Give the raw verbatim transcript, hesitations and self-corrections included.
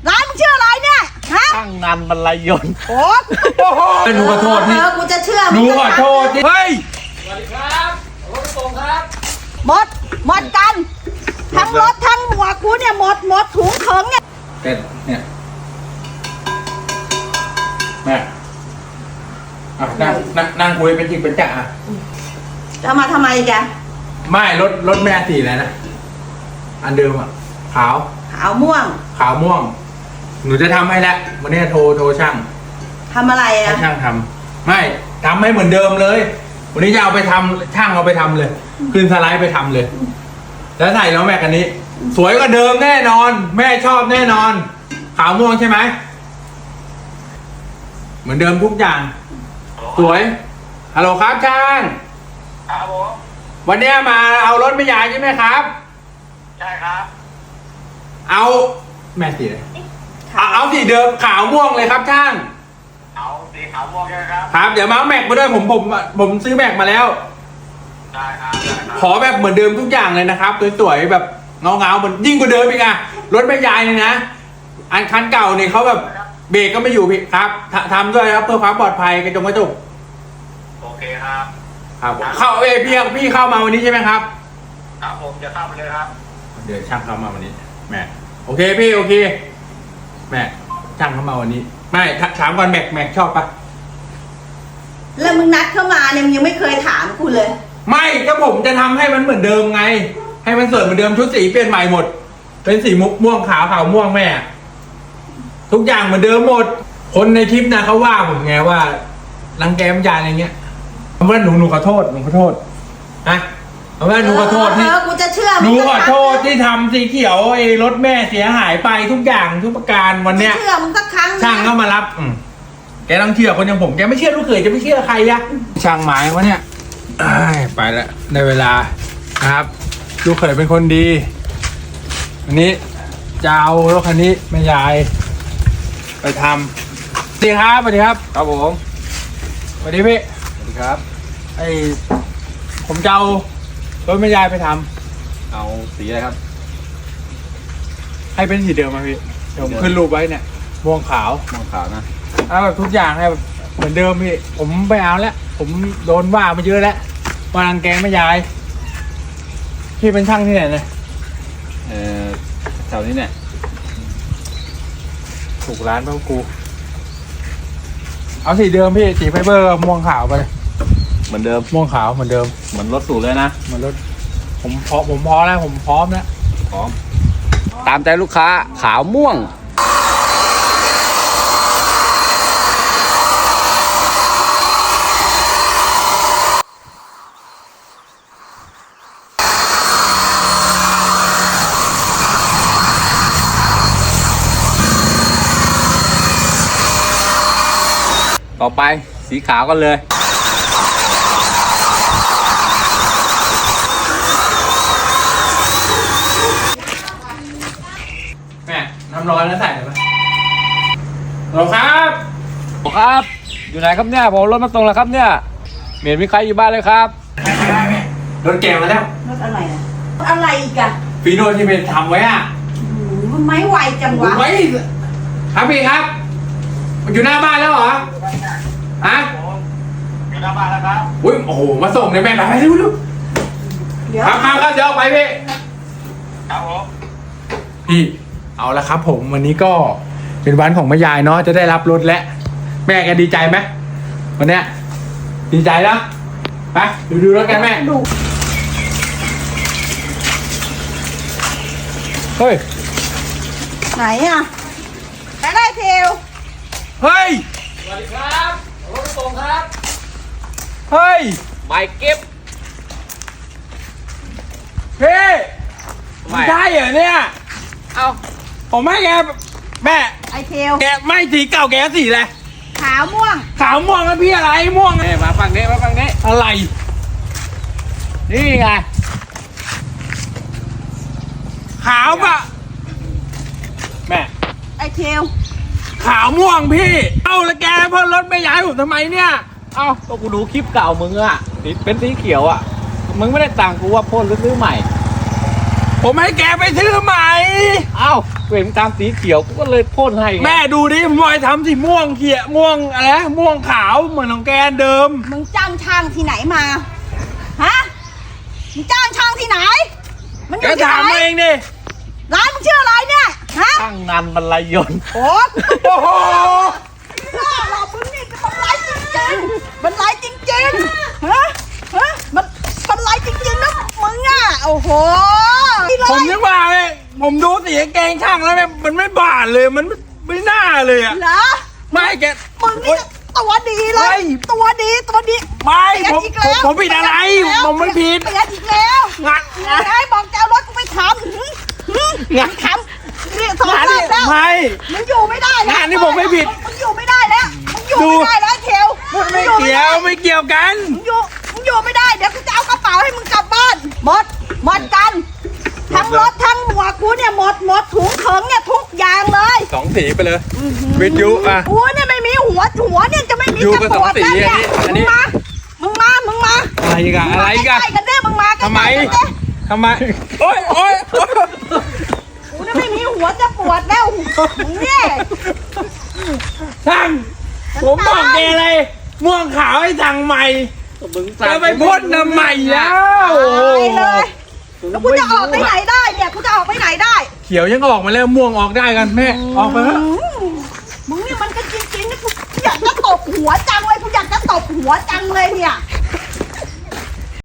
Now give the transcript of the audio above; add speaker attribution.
Speaker 1: ร้านมึงชื่ออะไรเนี่ยฮะ
Speaker 2: ช่างงานบรรลัยยนต์
Speaker 1: โอ้โห
Speaker 3: หนูขอโทษที่
Speaker 1: เออกูจะเชื่อ
Speaker 3: หนูขอโทษที่เฮ้ย
Speaker 2: สวัสดีครับรถตรงครับ
Speaker 1: หมดหมดกันทั้งรถทั้งหมวกกูเนี่ยหมดหมดถุงเถิงเนี่ย
Speaker 3: แต่เนี่ยแม่อ่ะนั่งนั่งนั่งคุยเป็นจริงเป็นจังอ่ะ
Speaker 1: จะมาทำไมแก
Speaker 3: ไม่รถรถแม่สีอะไรนะอันเดิมอ่ะขาว
Speaker 1: ขาวม่วง
Speaker 3: ขาวม่วง หนูจะทำให้แล้ววันนี้โทรโทรช่าง
Speaker 1: ทำอะไร
Speaker 3: ให้
Speaker 1: อ่ะ
Speaker 3: ช่างทำไม่ทำให้เหมือนเดิมเลย วันนี้จะเอาไปทำช่างเอาไปทำเลยขึ้นสไลด์ไปทำเลย แล้วใส่แล้วแม่กันนี้ สวยกว่าเดิมแน่นอน แม่ชอบแน่นอน ขาวม่วงใช่ไหมเหมือนเดิมทุกอย่าง สวยฮัลโหลครับช่าง
Speaker 4: ครับผม
Speaker 3: วันนี้มาเอารถไม่ยายใช่ไหมครับ
Speaker 4: ใช่ครับ
Speaker 3: เอาแม่สีเลยเอาเอาสีเดิมขาวม่วงเลยครับช่าง
Speaker 4: เอาสีขาวม่วงใช่ไหมครับ
Speaker 3: ครับเดี๋ยวมาเอาแม็กมาด้วยผมผมผมซื้อแม็กมาแล้ว
Speaker 4: ได้ครับได้ครับ
Speaker 3: ขอแบบเหมือนเดิมทุกอย่างเลยนะครับสวยๆแบบเงาเงาๆเหมือนยิ่งกว่าเดิมอีกอะรถแม่ยายนี่นะอันคันเก่าเนี่ยเขาแบบเบรกก็ไม่อยู่พี่ครับททำด้วยครับเพื่อความปลอดภัยกระจกกระจก
Speaker 4: โอเคครับ
Speaker 3: ครับเข้าเอยพี่พี่เข้ามาวันนี้ใช่ไหมครับ
Speaker 4: ครับผมจะเข้าไปเลยครับ
Speaker 3: เดี๋ยวช่างเข้ามาวันนี้แม่โอเคพี่โอเคแม่ช่างเข้ามาวันนี้ไม่ถถามก่อนแม็กแม็กชอบปะ
Speaker 1: แล้วมึงนัดเข้ามาเนี่ยมึงยังไม่เคยถามกูเลย
Speaker 3: ไม่ก็ผมจะทำให้มันเหมือนเดิมไง ให้มันสวยเหมือนเดิมชุดสีเปลี่ยนใหม่หมด เป็นสีมุกม่วงขาวขาวม่วงแม่ ทุกอย่างเหมือนเดิมหมด คนในคลิปนะเขาว่าผมไงว่ารังแกมยายอะไรเงี้ยเอาว่าหนูหนูขอโทษหนูขอโทษนะเอาว่าหนูขอโทษที่
Speaker 1: เออกูจะเชื่อ
Speaker 3: หนู
Speaker 1: มึง
Speaker 3: ขอโทษที่ทำสีเขียวไอ้รถแม่เสียหายไปทุกอย่างทุกประการวันเนี้ย
Speaker 1: จะเชื่อมึงสักครั้งนะ
Speaker 3: ช่างก็มารับ อืมแกต้องเชื่อคนอย่างผม แกไม่เชื่อลูกเขยจะไม่เชื่อใครอะช่างหมายวะเนี่ยอ้ายไปแล้วในเวลานะครับ ลูกเขยเป็นคนดีอันนี้จะเอารถคันนี้แม่ยาย ไปทำสวัสดีครับสวัสดีครับ
Speaker 2: ครับผม
Speaker 3: สวัสดีพี่
Speaker 2: สวัสดีครับ
Speaker 3: ไอผมจะเอารถแม่ยายไปทำ
Speaker 2: เอาสีอะไรครับ
Speaker 3: ให้เป็นสีเดิมมาพี่เดี๋ยวผมขึ้นรูปไว้เนี่ยม่วงขาว
Speaker 2: ม่วงขาวนะ
Speaker 3: เอาแบบทุกอย่างให้แบบเหมือนเดิมพี่ ผมไม่เอาแล้ว ผมโดนว่ามาเยอะแล้วมารังแกไม่ยาย พี่เป็นช่างที่ไหนเนี่ย
Speaker 2: เอ่อแถวนี้เนี่ย
Speaker 3: ถูกร้านเปล่ากู เอาสีเดิมพี่สีไฟเบอร์ม่วงขาวไปเลย
Speaker 2: เหมือนเดิม
Speaker 3: ม่วงขาวเหมือนเดิม
Speaker 2: เหมือนรถสูตรเลยนะ
Speaker 3: เหมือนรถผมพร้อมผมพร้อมแล้วผมพร้อมแล้ว
Speaker 2: พร้อมตามใจลูกค้าขาวม่วงต่อไปสีขาวกันเลย
Speaker 3: แม่น้ำร้อนแล้วใส่เลยไหมหรอครับ
Speaker 2: ครับ อยู่ไหนครับเนี่ยผมรถมาตรงแล้วครับเนี่ยเหม็นมีใครอยู่บ้านเลยครับ
Speaker 3: รถแกมาแล้ว
Speaker 1: รถอะไรอะรถอะไรอีกอะ
Speaker 3: ฟีโน่ที่เป็นทำไว้อ่ะ
Speaker 1: อืมมันไม่ไหวจังวะ
Speaker 3: ไว้ครับพี่ครับมันอยู่หน้าบ้านแล้วเหรอฮะ
Speaker 4: ผมอยู่หน้าบ้านแล้วครับ
Speaker 3: อุ้ยโอ้โหมาส่งเลยแม่ไปเร็วเร็ว
Speaker 1: เดี๋ยว
Speaker 3: ครับครับครับเดี๋ยวเอาไปพี่
Speaker 4: ครับผม
Speaker 3: พี่เอาละครับ ผมวันนี้ก็เป็นวันของแม่ยายเนาะจะได้รับรถแล้วแม่แกดีใจไหมวันเนี้ยดีใจแล้วไปดูดูรถกันแม่
Speaker 1: ดู
Speaker 3: เฮ้ย
Speaker 1: ไหนอะไหนได้เทล
Speaker 3: เฮ้ย
Speaker 2: สวัสดีครับรถตรงครับ
Speaker 3: เฮ้ย
Speaker 2: หมายเก็บ
Speaker 3: พี่
Speaker 2: ไม่
Speaker 3: ใช่เหรอเนี่ย
Speaker 2: เอา
Speaker 3: ผมให้แกแม่
Speaker 1: ไอเทล
Speaker 3: แกไม่สีเก่าแกสีอะไร
Speaker 1: ขาวม่วง
Speaker 3: ขาวม่วงแล้วพี่อะไรม่วง
Speaker 2: เอ้ยมาฝั่งนี้มาฝั่งนี้
Speaker 3: อะไร
Speaker 2: นี่ไง
Speaker 3: ขาวปะแม่
Speaker 1: ไอเทล
Speaker 3: ขาวม่วงพี่ เอ้าแล้วแกเพิ่มรถไม่ย้ายผมทำไมเนี่ย
Speaker 2: เอาก็กูดูคลิปเก่ามึงอะสีเป็นสีเขียวอะมึงไม่ได้ต่างกูว่าพ่นหรือซื้อใหม่
Speaker 3: ผผมให้แกไปซื้อใหม่
Speaker 2: เอ้าเห็นตามสีเขียวกูก็เลยพ่นให้ไง
Speaker 3: แม่ดูดิผมบอยทำสีม่วงเขียม่วงอะไรนะม่วงขาวเหมือนของแกเดิม
Speaker 1: มึงจ้างช่างที่ไหนมา ฮะ มึงจ้างช่างที่ไหน มันอ
Speaker 3: แก
Speaker 1: ยู่ที่
Speaker 3: ถาม
Speaker 1: ไหน
Speaker 3: มาเองดิ
Speaker 1: ร้านมึงชื่ออะไรเนี่ย ฮะ
Speaker 2: ช่างนันบรรลัยยนต์
Speaker 1: โอ้
Speaker 3: โอ้โห
Speaker 1: หน้าเรามึงนี่มันไรจริงๆมันไรจริงๆฮะ ฮะ มันมันไรจริงๆนะมึงอ่ะ โอ้โห
Speaker 3: ผมนึกว่าไงผมดูสีกางเกงช่างแล้วเนี่ยมันไม่บาดเลยมันไม่ไม่น่าเลยอ่ะ
Speaker 1: เหรอ
Speaker 3: ไม่แก
Speaker 1: มึงนี่ตัวดีเล
Speaker 3: เฮ้
Speaker 1: ย
Speaker 3: ย
Speaker 1: ตัวดีตัวดี
Speaker 3: ไม่
Speaker 1: เปลี่ยน
Speaker 3: ผม
Speaker 1: อีก
Speaker 3: ผม
Speaker 1: แล้ว
Speaker 3: ผมผิดอะไร
Speaker 1: เปลี่ยน
Speaker 3: ผมไม่ผิด
Speaker 1: เปลี่ยนอีกแล้ว
Speaker 3: งาน
Speaker 1: ไอ้บอกจะเอารถกูไปทำหืมหืม
Speaker 3: งาน
Speaker 1: ทำนี่สอง
Speaker 3: งาน
Speaker 1: รอ
Speaker 3: นี่
Speaker 1: บแล้ว
Speaker 3: ไม่
Speaker 1: มึงอยู่ไม่ได้แล้ว
Speaker 3: งานนี่ผมไม่ผิด
Speaker 1: มึงอยู่ไม่ได้แล้วมึงอยู่
Speaker 3: ดู
Speaker 1: ไม่ได้แล้วเทว
Speaker 3: ไม่เกี่ยวไม่เกี่ยวกัน
Speaker 1: มึงอยู่มึงอยู่ไม่ได้เดี๋ยวกูจะเอากระเป๋าให้มึงกลับบ้านหมดหมดกันทั้งรถทั้งหมวกกูเนี่ยหมดหมดถุงเถิงเนี่ยทุกอย่างเลย
Speaker 3: สองสีไปเลย วิทยุอ่ะ
Speaker 1: กูเนี่ยไม่มีหัวหัวเนี่ยจะไม่มี
Speaker 3: อยู่
Speaker 1: จะ
Speaker 3: กับ
Speaker 1: ปวด
Speaker 3: สองสี
Speaker 1: แล้วเนี่ย
Speaker 3: อันนี้
Speaker 1: มึงมามึงมามึงมา
Speaker 3: อะไรกันอะไรกัน
Speaker 1: ใกล้ๆกันเด้มึงมาใกล้ๆ
Speaker 3: ทำไม
Speaker 1: กันเด้
Speaker 3: ทำไมโอ๊ยโอ๊ยโอ๊ย
Speaker 1: กูเนี่ยไม่มีหัวจะปวดแล้วมึงเนี่ย
Speaker 3: ช่างผมบอกแกเลยม่วงขาวให้สั่งใหม่
Speaker 2: มึง
Speaker 3: จะไปพ่นทำไมแล้ว
Speaker 1: ตายเลยแล้วกูจะออกไปไหนได้เนี่ยกูจะออกไปไหนได้
Speaker 3: เขียวยังออกมาแล้วม่วงออกได้กันแม่ออกไปเถอะ
Speaker 1: อืมมึงนี่มันก็จริงๆนะกูอยากจะตบหัวจังเลยกูอยากจะตบหัวจังเลยเนี่ย